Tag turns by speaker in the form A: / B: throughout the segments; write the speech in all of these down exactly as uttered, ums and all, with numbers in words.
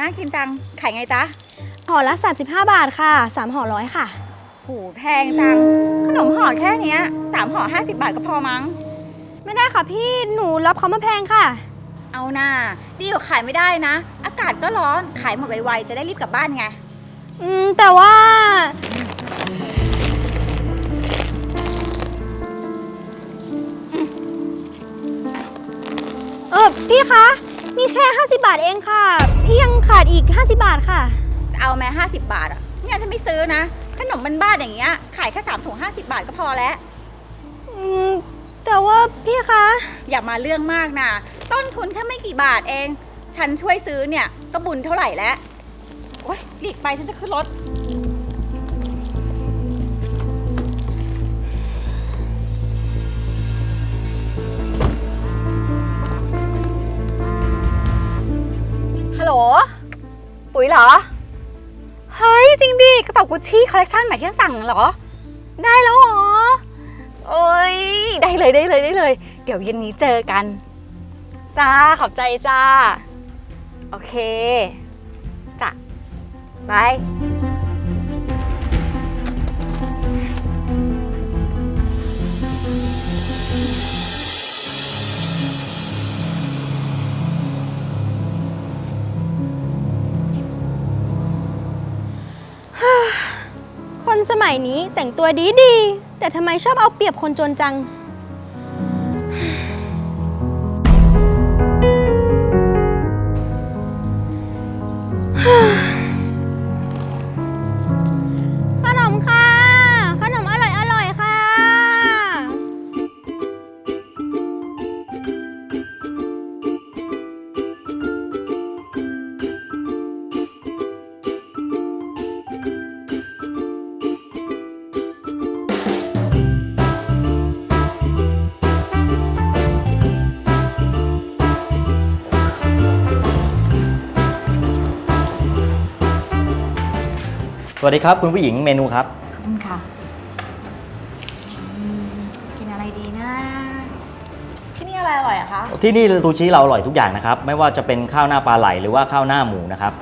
A: กินจังขายไงจ๊ะ
B: ห่อละสามสิบห้าบาทค่ะสามห่อร้อยค่ะ
A: โหแพงจังขนมห่อแค่นี้สามห่อห้าสิบบาทก็พอมั้ง
B: ไม่ได้ค่ะพี่หนูรับเขามาแพงค่ะ
A: เอาหน้าดีกว่าขายไม่ได้นะอากาศก็ร้อนขายหมดไวๆจะได้รีบกลับบ้านไง
B: อืมแต่ว่าเออพี่คะมีแค่ห้าสิบบาทเองค่ะพี่ยังขาดอีกห้าสิบบาทค่ะ
A: จะเอาแม้ห้าสิบบาทอ่ะเนี่ยฉันไม่ซื้อนะขนมบ้านๆอย่างเงี้ยขายแค่สามถุงห้าสิบบาทก็พอแล้ว
B: อืมแต่ว่าพี่คะ
A: อย่ามาเรื่องมากนะต้นทุนแค่ไม่กี่บาทเองฉันช่วยซื้อเนี่ยก็บุญเท่าไหร่แล้วโอ๊ยหลีกไปฉันจะขึ้นรถฮัลโหลปุ๋ยเหรอเฮ้ยจริงดิกระเป๋ากุชชี่คอลเลคชันใหม่ที่สั่งเหรอได้แล้วเหรอโอ้ยได้เลยได้เลยได้เลยเดี๋ยวเย็นนี้เจอกันจ้าขอบใจจ้าโอเคจ้ะบาย
B: คนสมัยนี้แต่งตัวดีดีแต่ทำไมชอบเอาเปรียบคนจนจังขนมค่ะขนมอร่อยอร่อยค่ะ
C: สวัสดีครับคุณผู้หญิงเมนูครับ
A: ขอบคุณค่ะกินอะไรดีนะที่นี่อะไรอร่อยอะคะ
C: ที่นี่ซูชิเราอร่อยทุกอย่างนะครับไม่ว่าจะเป็นข้าวหน้าปลาไหลหรือว่าข้าวหน้าหมูนะครับ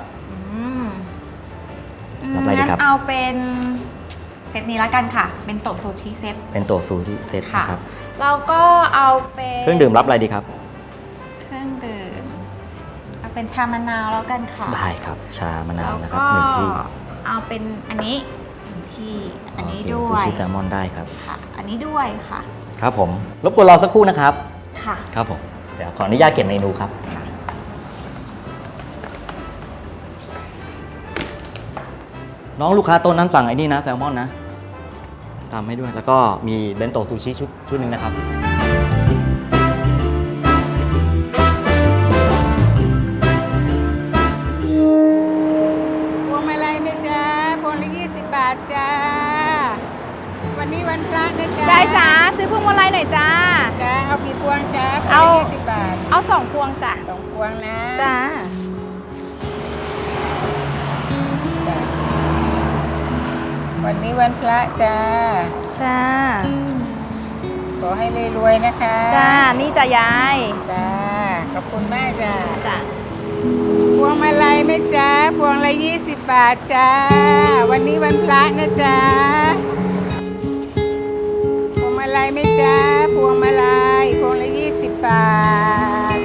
A: รับอะไรดีครับเอาเป็นเซตนี้แล้วกันค่ะเป็นโต๊ะซูชิเซต
C: เป็นโต๊ะซูชิเซตครับ
A: เราก็เอาเป็น
C: เครื่องดื่มรับอะไรดีครับ
A: เครื่องดื่มเอาเป็นชามะนาวแล้วกันค่ะ
C: ได้ครับชามะนาวนะครับหนึ่งที่
A: เอาเป็นอันนี้ที่อันนี้ด้วย
C: ซูชิแซลมอนได้ครับ
A: ค่ะอันนี้ด้วยค่ะ
C: ครับผมรบกวนรอสักครู่นะครับ
A: ค่ะ
C: ครับผมเดี๋ยวขออนุญาตเก็บเมนูครับน้องลูกค้าต้นนั้นสั่งไอ้นี่นะแซลมอนนะตามให้ด้วยแล้วก็มีเบนโตะซูชิชุดชุดหนึ่งนะครับ
D: พวงมาลัยไหมจ๊ะพวงละยี่สิบบาทจ้าวันนี้วันพระนะจ๊ะ
A: ได้จ้าซื้อพวงมาลัยหน่อยจ้า
D: จ้าเอากี่พวงจ้า
A: เอา
D: ยี่สิบบาท
A: เอาสองพวงจ้ะ
D: สองพวงนะ
A: จ้า
D: วันนี้วันพระจ้า
A: จ้า
D: ขอให้รวยๆนะคะ
A: จ้านี่จ้ายาย
D: จ้าขอบคุณมากจ้า
A: จ้า
D: พวงมาลัยไหมจ๊ะพวงละยี่สิบบาทจ้าวันนี้วันพระนะจ๊ะพวงมาลัยไหมจ๊ะพวงมาลัยพวงละยี่สิบบาท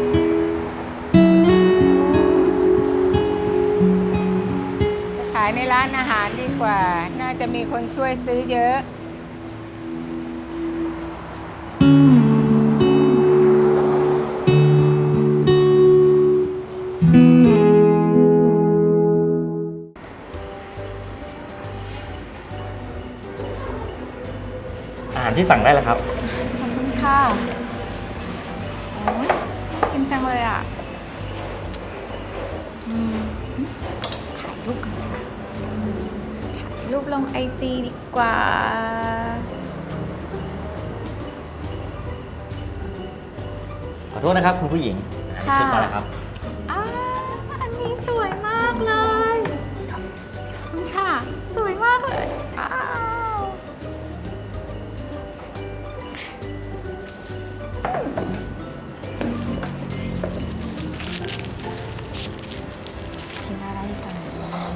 D: ขายในร้านอาหารดีกว่าน่าจะมีคนช่วยซื้อเยอะ
C: อาหารที่สั่งได้แล้วครับ
A: ขอบคุณค่ะโอ้ยกินจังเลยอ่ะถ่ายรูปกันเลยนะถ่ายรูปลงไอจีดีกว่า
C: ขอโทษนะครับคุณผู้หญิงอันนี้เช็คมาแล้วครับ
A: อ่าอันนี้สวยมากเลยขอบคุณค่ะสวยมากเลยอ้าวกินอะไรก่อน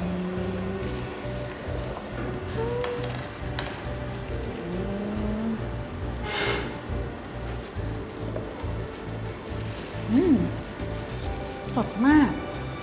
A: อืมสดมาก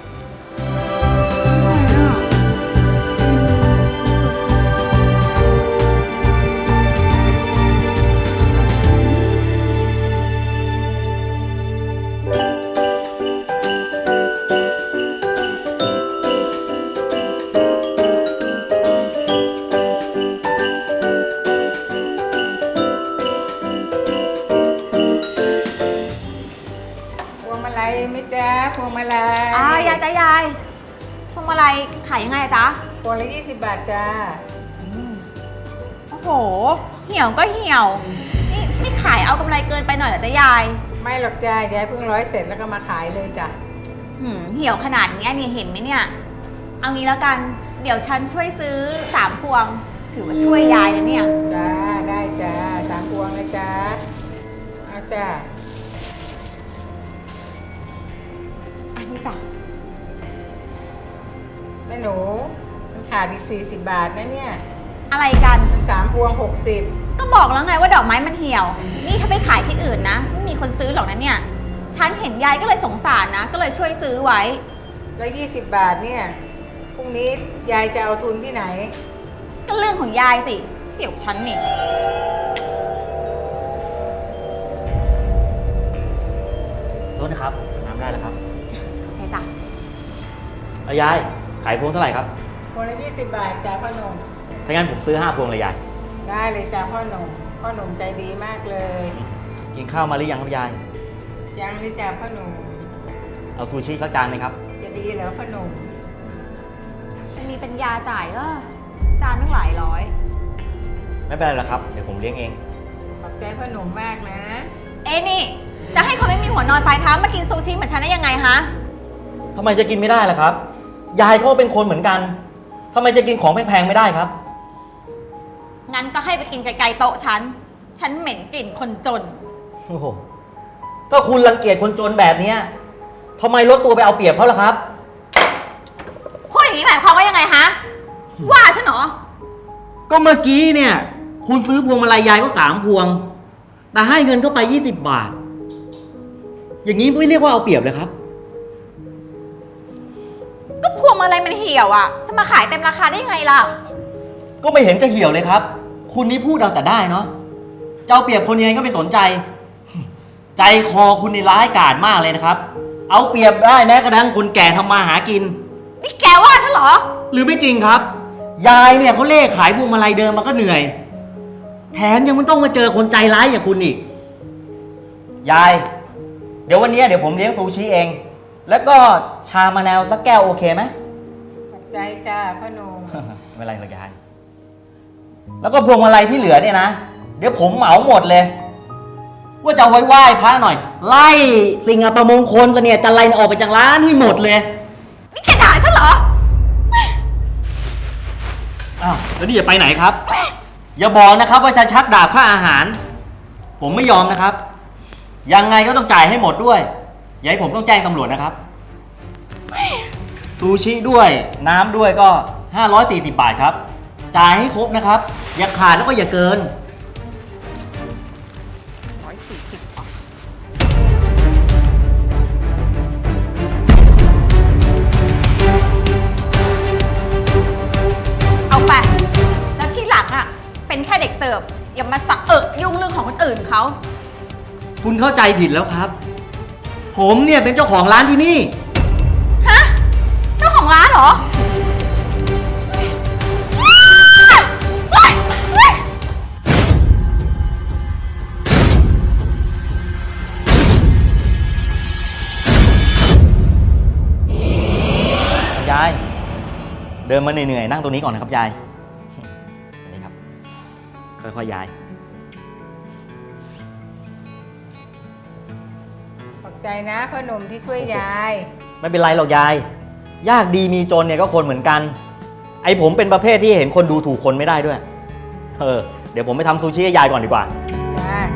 D: พวงมาลัยไหม่จ้าพวงมาลัย
A: อ่ายายจ้ายายพวงมาลัยขายยังไงอะจ๊ะ
D: พวงละยี่สิบบาทจ้า
A: โอ้โห เหี่ยวก็เหี่ยว นี่นี่ขายเอากำไรเกินไปหน่อยเหรอจ๊ะยาย
D: ไม่หรอกจ้ายายเพิ่งร้อยเสร็จแล้วก็มาขายเลยจ้ะ
A: หืมเหี่ยวขนาดนี้เนี่ยเห็นไหมเนี่ย เอางี้แล้วกัน เดี๋ยวฉันช่วยซื้อสามพวง ถือว่าช่วยยายนะเนี่ย
D: จ้าได้จ้าสามพวงนะจ้าเอาจ้า
A: อันนี้จ้ะ
D: แม่หนูมันขาดอีกสี่สิบบาทนะเนี่ย
A: อะไรกัน
D: มันสามพวงหกสิบ
A: ก็บอกแล้วไงว่าดอกไม้มันเหี่ยว นี่ถ้าไปขายที่อื่นนะ ไม่มีคนซื้อหรอกนะเนี่ย ฉันเห็นยายก็เลยสงสารนะ ก็เลยช่วยซื้อไว้
D: แล้วยี่สิบบาทเนี่ยพรุ่งนี้ยายจะเอาทุนที่ไหน
A: ก็เรื่องของยายสิ เดี๋ยวฉันนี่
C: โทษนะครับน้ำได้แล้วครับ
A: โอเคจ้ะ
C: เอายาย ขายพวงเท่าไหร่ครับ
D: พวงละยี่สิบบาทจ้าพ่อหนุ่ม
C: ถ้างั้นผมซื้อห้าพวงเลยยาย
D: ได้เลยจ้าพ่อหนุ่มพ่อหนุ่มใจดีมากเลย
C: กินข้าวมาหรือยังครับยาย
D: ยังเลยจ้าพ่อหนุ่ม
C: เอาซูชิสักจานไหมครับ
D: จะดีเหรอพ่อหนุ่ม
A: จะมีเป็นยาจ่ายก็จานตั้งหลายร้อย
C: ไม่เป็นไรหรอกครับ เดี๋ยวผมเลี้ยงเอง
D: ขอบใจพ่อหนุ่มมากนะ
A: เอ้นี่ จะให้คนไม่มีหัวนอนปลายเท้ามากินซูชิเหมือนฉันได้ยังไงฮะ
C: ทำไมจะกินไม่ได้ล่ะครับ ยายก็เป็นคนเหมือนกัน ทำไมจะกินของแพงๆไม่ได้ครับ
A: งั้นก็ให้ไปกินไกลๆโต๊ะฉัน ฉันเหม็นกลิ่นคนจน
C: โอ้โหก็คุณรังเกียจคนจนแบบเนี้ยทำไมลดตัวไปเอาเปรียบเขาล่ะครับ
A: พูดอย่างนี้หมายความว่ายังไงฮะ ว่าฉันเหรอ
C: ก็เมื่อกี้เนี่ย คุณซื้อพวงมาลัยยายก็สามพวง แต่ให้เงินเข้าไปยี่สิบบาท อย่างนี้ไม่เรียกว่าเอาเปรียบเลยครับ
A: ก็พวงมาลัยมันเหี่ยวอ่ะ จะมาขายเต็มราคาได้ยังไงล่ะ
C: ก็ไม่เห็นจะเหี่ยวเลยครับ คุณนี่พูดเอาแต่ได้เนาะจะเอาเปรียบคนยังไงก็ไม่สนใจ ใจคอคุณนี่ร้ายกาจมากเลยนะครับ เอาเปรียบได้แม้กระทั่งคนแก่ทำมาหากิน
A: นี่แกว่าฉันเหรอ
C: หรือไม่จริงครับ ยายเนี่ยเขาเล่ขายพวงมาลัยเดิมมันก็เหนื่อย แถมยังไม่ต้องมาเจอคนใจร้ายอย่างคุณอีก ยาย เดี๋ยววันนี้เดี๋ยวผมเลี้ยงซูชิเอง แล้วก็ชามะนาวสักแก้วโอเคไหม
D: ขอบใจจ้าพ่อหนุ่ม
C: ไม่เป็นไรหรอกยาย แล้วก็พวงมาลัยที่เหลือเนี่ยนะ เดี๋ยวผมเหมาหมดเลย ว่าจะเอาไว้ไหว้พระหน่อย ไล่สิ่งอัปมงคลเสนียดจันไรเนี่ยออกไปจากร้านให้หมดเลย
A: นี่แกด่าฉันเหรอ
C: อ้าว แล้วนี่จะไปไหนครับ อย่าบอกนะครับว่าจะชักดาบค่าอาหาร ผมไม่ยอมนะครับ ยังไงก็ต้องจ่ายให้หมดด้วย อย่าให้ผมต้องแจ้งตำรวจนะครับ ซูชิด้วย น้ำด้วยก็ห้าร้อยสี่สิบบาทครับ จ่ายให้ครบนะครับ อย่าขาดแล้วก็อย่าเกิน
A: ร้อยสี่สิบบาทเอาไป แล้วที่หลังอ่ะ เป็นแค่เด็กเสิร์ฟ อย่ามาสะเอะยุ่งเรื่องของคนอื่นเขา
C: คุณเข้าใจผิดแล้วครับ ผมเนี่ยเป็นเจ้าของร้านที่นี่
A: ฮะ เจ้าของร้านเหรอ
C: ยาย เดินมาเหนื่อยๆนั่งตรงนี้ก่อนนะครับยายนี่ครับ ค่อยๆยาย
D: ขอบใจนะพ่อหนุ่มที่ช่วยยาย
C: ไม่เป็นไรหรอกยาย ยากดีมีจนเนี่ยก็คนเหมือนกัน ไอผมเป็นประเภทที่เห็นคนดูถูกคนไม่ได้ด้วย เออ เดี๋ยวผมไปทำซูชิให้ยายก่อนดีกว่า
D: จ้า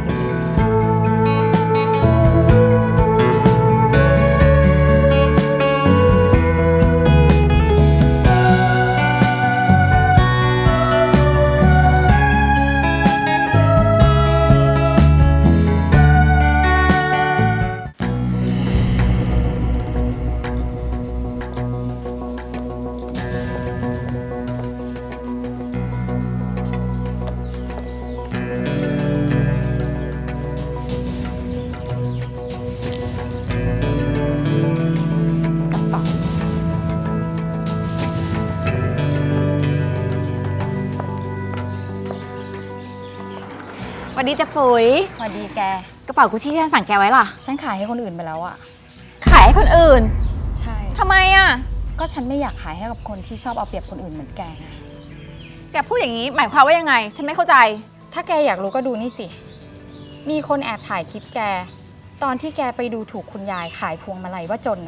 A: วัสดีจ้ะปุ๋ย
E: สวัสดีแก
A: กระเป๋ากุชชี่ที่ฉันสั่งแกไว้ล่ะ
E: ฉันขายให้คนอื่นไปแล้วอะ
A: ขายให้คนอื่น
E: ใช่
A: ทำไมอ่ะ
E: ก็ฉันไม่อยากขายให้กับคนที่ชอบเอาเปรียบคนอื่นเหมือนแกไง
A: แกพูดอย่างนี้หมายความว่ายังไง ฉันไม่เข้าใจ
E: ถ้าแกอยากรู้ก็ดูนี่สิ มีคนแอบถ่ายคลิปแก ตอนที่แกไปดูถูกคุณยายขายพวงมาลัยว่าจนอะ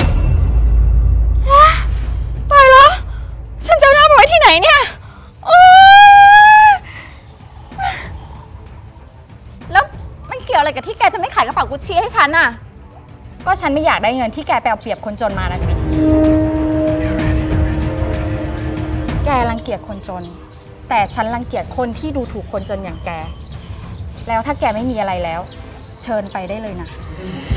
A: ตายแล้ว ฉันจะเอาหน้าไปไว้ที่ไหนเนี่ยโอ๊ยแล้วมันเกี่ยวอะไรกับที่แกจะไม่ขายกระเป๋ากุชชี่ให้ฉันน่ะ
E: ก็ฉันไม่อยากได้เงินที่แกไปเอาเปรียบคนจนมาละสิ แกรังเกียจคนจน แต่ฉันรังเกียจคนที่ดูถูกคนจนอย่างแก แล้วถ้าแกไม่มีอะไรแล้ว เชิญไปได้เลยนะ
A: ฮ